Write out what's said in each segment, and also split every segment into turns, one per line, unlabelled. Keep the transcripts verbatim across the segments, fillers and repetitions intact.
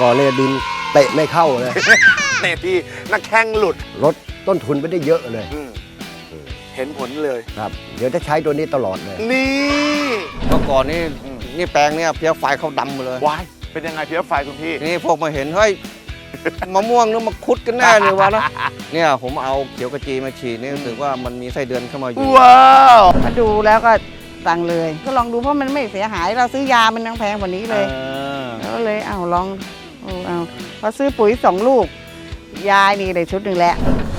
ก่อนเนี่ยดินเตะไม่เข้าเลย
เตะที่นักแข้งหลุด
ลดต้นทุนไปได้เยอะเลย
เห็นผลเลย
ครับ เดี๋ยวจะใช้ตัวนี้ตลอดเลย
นี่
เมื่อก่อนนี่นี่แปลงเนี่ยเพี้ยไฟเขาดำหมดเลยว
ายเป็นยังไงเพี้ยไฟคุณพี่
นี่พวกมาเห็นเฮ้ย มะม่วงนึกมาคุดกันแน่เลยวะนะเนี่ยผมเอาเขียวกระจีมาฉีดนี่รู้สึกว่ามันมีไส้เดือนเข้ามาอยู่
ว้าว
มาดูแล้วก็สั่งเลย ก็ลองดูเพราะมันไม่เสียหายเราซื้อยามันยังแพงกว่านี้เลยแล้วเลยเอาลองเอาเอาพอซื้อปุ๋ยสองลูกยายนี่ได้ชุดหนึ่งแล้ว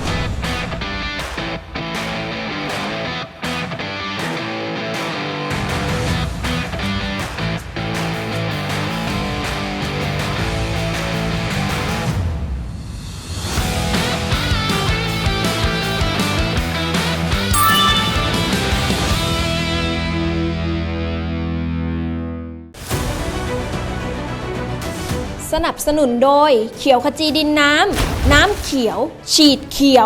สนับสนุนโดยเขียวขจีดินน้ำน้ำเขียวฉีดเขียว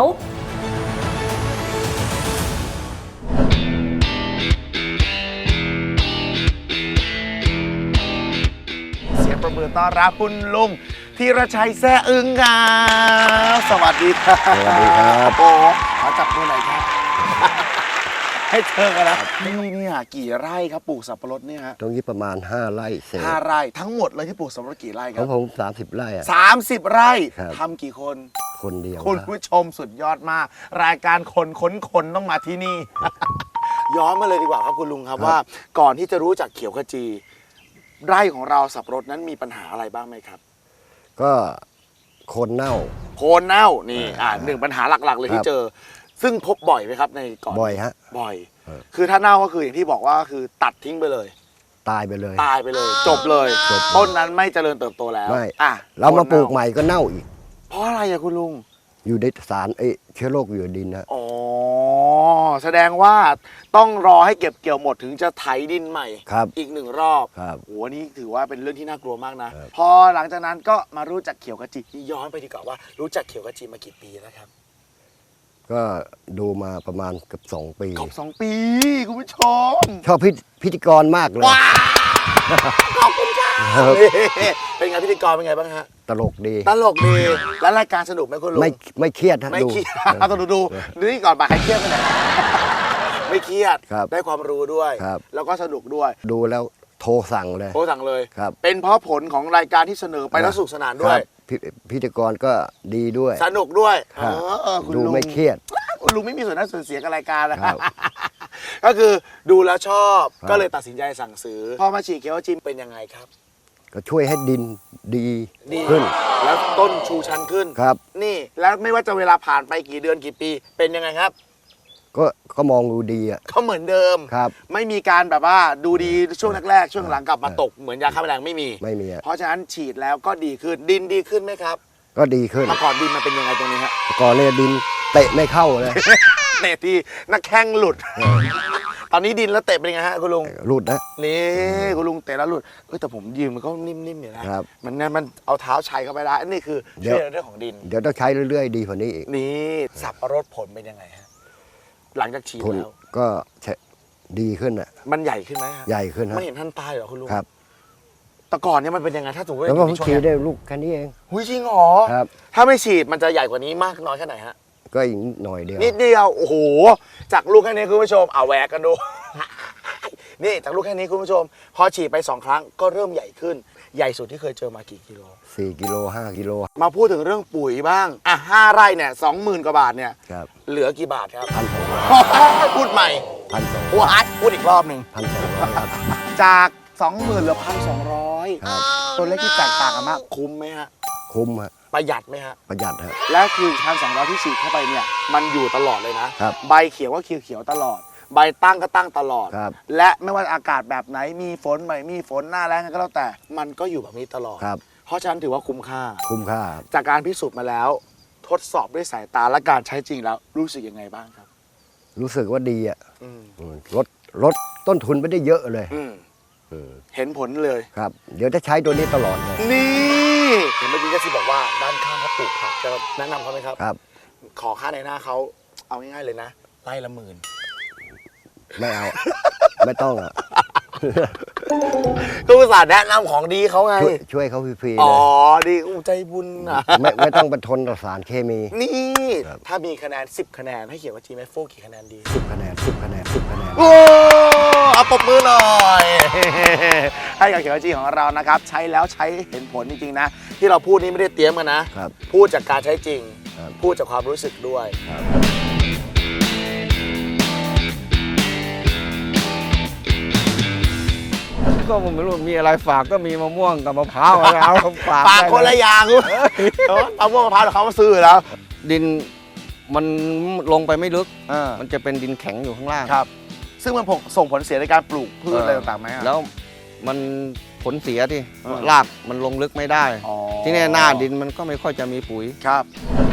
เสียงประมือต้อนรับคุณลุงธีรชัยแซ่อึ้งครับสวัสดีครับ
สวัสดีครับ
โอ้ขอจับมือหน่อยครับ ให้เจอกันนะนี่เนี่ยกี่ไร่ครับปลูกสับปะรดเนี่ยฮะ
ตรงนี้ประมาณห้าไร่เศษ
ห้าไร่ทั้งหมดเลยที่ปลูกสับปะรดกี่ไร่ค
ข
รั
อบ งผมสามสิบไร่อะ
สามสิบไร่
ครับ
ทำกี่คน
คนเดียว
คุณ
ครับ
ผู้ชมสุดยอดมาก รายการคนค้นคนต้องมาที่นี่ ย้อนมาเลยดีกว่าครับคุณลุงครับว่า ก่อนที่จะรู้จักเขียวขจี ไร่ของเราสับปะรดนั้นมีปัญหาอะไรบ้างไหมครับ
ก็โคนเน่า
โคนเน่านี่
อ่า
อ่าหนึ่งปัญหาหลักๆ เลย
ค
ที่
รับ
เจอ ซึ่งพบบ่อยไหมครับในก่อน
บ่อยฮะ
บ่อย
ครับ
คือถ้าเน่าก็คืออย่างที่บอกว่าคือตัดทิ้งไปเลย
ตายไปเลย
ตายไปเลย จบเลย
จบ
ต้นนั้นไม่เจริญเติบโตแล้ว
ไม่
อ่ะ
เรามาปลูก
โคน
ใหม่ก็เน่าอีก
เพราะอะไรอะคุณลุง
อยู่ในสารเอ้ยเชื้อโรคอยู่ในดินนะ
อ๋อ แสดงว่าต้องรอให้เก็บเกี่ยวหมดถึงจะไถดินใหม่
ครับ
อีกหนึ่งรอบ
ครับ
โหนี่ถือว่าเป็นเรื่องที่น่ากลัวมากนะ
ครับ
พอหลังจากนั้นก็มารู้จักเขียวกะจีย้อนไปดีกว่าว่ารู้จักเขียวกะจีมากี่ปีแล้วครับ
ก็ดูมาประมาณเกือบสองปี
ครบสองปีคุณผู้ชม
ชอบพิพิธีกรมากเลย
ว้าวขอบคุณค่ะ
ครับ
นี่เป็นไงพิธีกรเป็นไงบ้างฮะ
ตลกดี
ตลกดีแล้วรายการสนุกไหมคุณลุง
ไม่ไม่เครียดนะ
ไม่
ดู
เครียดเอาต้องดูดูดูนี่ก่อนบ่ายใครเครียดกันไหนไม่เครียด
ครับ
ได้ความรู้ด้วย
ครับ
แล้วก็สนุกด้วย
ดูแล้วโทรสั่งเลย
โค้ชสั่งเลย
ครับ
เป็นเพราะผลของรายการที่เสนอไปแล้วสนุกสนานด้
คว รั
ย
บพิพิธีกรก็ดีด้วย
สนุกด้วย
ครับ
เออคุณ
ดู
ลุง
ไม่เครียด
คุณลุงไม่มีส่วนได้ส่วนเสียกับรายการนะครับ ก็คือดูแล้วชอบ
ครับ
ก็เลยตัดสินใจสั่งซื้อพอมาฉีดเคียวจิมเป็นยังไงครับ
ก็ช่วยให้ดินดี
ดี
ขึ้น
แล้วต้นชูชันขึ้น
ครับ
นี่แล้วไม่ว่าจะเวลาผ่านไปกี่เดือนกี่ปี เป็นยังไงครับ
ก็ก็มองดูดีอ่ะ
ก็เหมือนเดิม
ครับ
ไม่มีการแบบว่าดูดีช่วงแรกๆช่วงหลังกลับมาตกเหมือนยาฆ่าแมลงไม่มี
ไม่มีอะ
เพราะฉะนั้นฉีดแล้วก็ดีขึ้นดินดีขึ้นไหมครับ
ก็ดีขึ้น
เมื่อก่อนดินมันเป็นยังไงตรงนี้ฮะ
ก่อนเนี่ยดินเตะไม่เข้าเลย
เตะที่นักแข้งหลุด ตอนนี้ดินแล้วเตะเป็นยังไงฮะคุณลุง
รุดนะ
นี่คุณลุงเตะแล้วหลุดเอ้ยแต่ผมยืมมันก็นิ่มๆอยู่นะครับ มันเนี่ยมันเอาเท้าชัยเข้าไปได้นี่คือ
เดี๋
ช่
ยว
วยในเรื่องของดิน
เดี๋ยวต้องใช้เรื่อยๆ ดีกว่านี้อีก
นี่สับปะรดผลเป็นยังไงฮะหลังจากฉีด
ผล
แล้ว
ก็ใช้ดีขึ้นอ่ะ
มันใหญ่ขึ้นไหมฮะ
ใหญ่ขึ้นฮะ
ไม่เห็นท่านตายเหรอคุณลุง
ครับ
แต่ก่อนเนี่ยมันเป็นยังไงถ้าสมมติว่า
แล้วก็
อยู่
เพิ่ง
ในช่วง
ฉีด
เนี้ย
ได้ลูกแค่นี้เอง
หุยจริงเหรอ
ครับ
ถ้าไม่ฉีดมันจะใหญ่กว่านี้มากน้อยแค่ไหนฮะ
ก็อีกหน่อยเดียว
นิดเดียวโอ้โหจากลูกแค่นี้คุณผู้ชมเอาแหวกกันดู นี่จากลูกแค่นี้คุณผู้ชม พอฉีดไปสองครั้งก็เริ่มใหญ่ขึ้น ใหญ่สุดที่เคยเจอมากี่กิโล
สี่กิโลห้ากิโล
มาพูดถึงเรื่องปุ๋ยบ้างอ่ะห้าไร่เนี่ยสองหมื่นกว่าบาทเนี่ย
ครับ
เหลือกี่บาทครับ
พันสองร้อย
พูดใหม่
พันสอง
พูดอาร์ตพูดอีกรอบหนึ่ง
พันสองร้อยครับ
จากสองหมื่นเหลือพันสองร้อย
ครับ
ตัวเลขที่แตกต่างกันมากคุ้มไหมฮะ
คุ้มฮะ
ประหยัดไหมฮะ
ประหยัดฮะ
และคือพันสองร้อยที่ฉีดเข้าไปเนี่ยมันอยู่ตลอดเลยนะครับ ใบเขียวก็เขียวเขียวๆตลอด ใบตั้งก็ตั้งตลอด
ครับ
และไม่ว่าอากาศแบบไหนมีฝนไม่มีฝนหน้าแล้งก็แล้วแต่มันก็อยู่แบบนี้ตลอด
ครับ
เพราะฉะนั้นถือว่าคุ้มค่า
คุ้มค่า
จากการพิสูจน์มาแล้ว ทดสอบด้วยสายตาและการใช้จริงแล้วรู้สึกยังไงบ้างครับ
รู้สึกว่าดีอ่ะ
อืม
อืมลดลดต้นทุนไปได้เยอะเลย
อืม
อืม
เห็นผลเลย
ครับ เดี๋ยวจะใช้ตัวนี้ตลอดเลย
นี่เห็นเมื่อกี้ก็สิบอกว่าด้านข้างเขาปลูกผักจะแนะนำเขาไหมครับ
ครับ
ขอค่าในหน้าเขาเอาง่ายๆเลยนะไร่ละหมื่น
ไม่เอา ไม่ต้องอ่ะ
ก็อุตส่าห์แนะนำของดีเขาไง
ช่วยช่วยเขาฟรีๆ
อ๋อ
เลย
ดีอู้ใจบุญนะ
ไม่ไม่ต้องไปทนต่อสารเคมี
นี่
ครับ
ถ้ามีคะแนนสิบคะแนนให้เขียวกับจีแมฟโฟกี่คะแนนดี
สิบคะแนนสิบคะแนนสิบคะแนน
โอ้เอาปรบมือหน่อย ให้กับเขียวกับจีของเรานะครับ ใช้แล้วใช้เห็นผลจริงๆนะ ที่เราพูดนี้ไม่ได้เตรียมกันนะ
ครับ
พูดจากการใช้จริง
ครับ
พูดจากความรู้สึกด้วย
ครับ
ก็ผมไม่รู้มีอะไรฝากก็มีมะม่วงกับมะพร้าวอะไรเอาฝาก
ปากคนละอย่างกูเออเอาพวกมะพร้าวเดี๋ยวเขามาซื้ออยู่แล้ว
ดินมันลงไปไม่ลึก
เออ
มันจะเป็นดินแข็งอยู่ข้างล่าง
ครับ ซึ่งมันส่งผลเสียในการปลูกพืชอะไรต่างๆไหมอะ
แล้วมันผลเสียที่
เออ
รากมันลงลึกไม่ได้
อ๋อ
ที่แน่หน้าดินมันก็ไม่ค่อยจะมีปุ๋ย
ครับ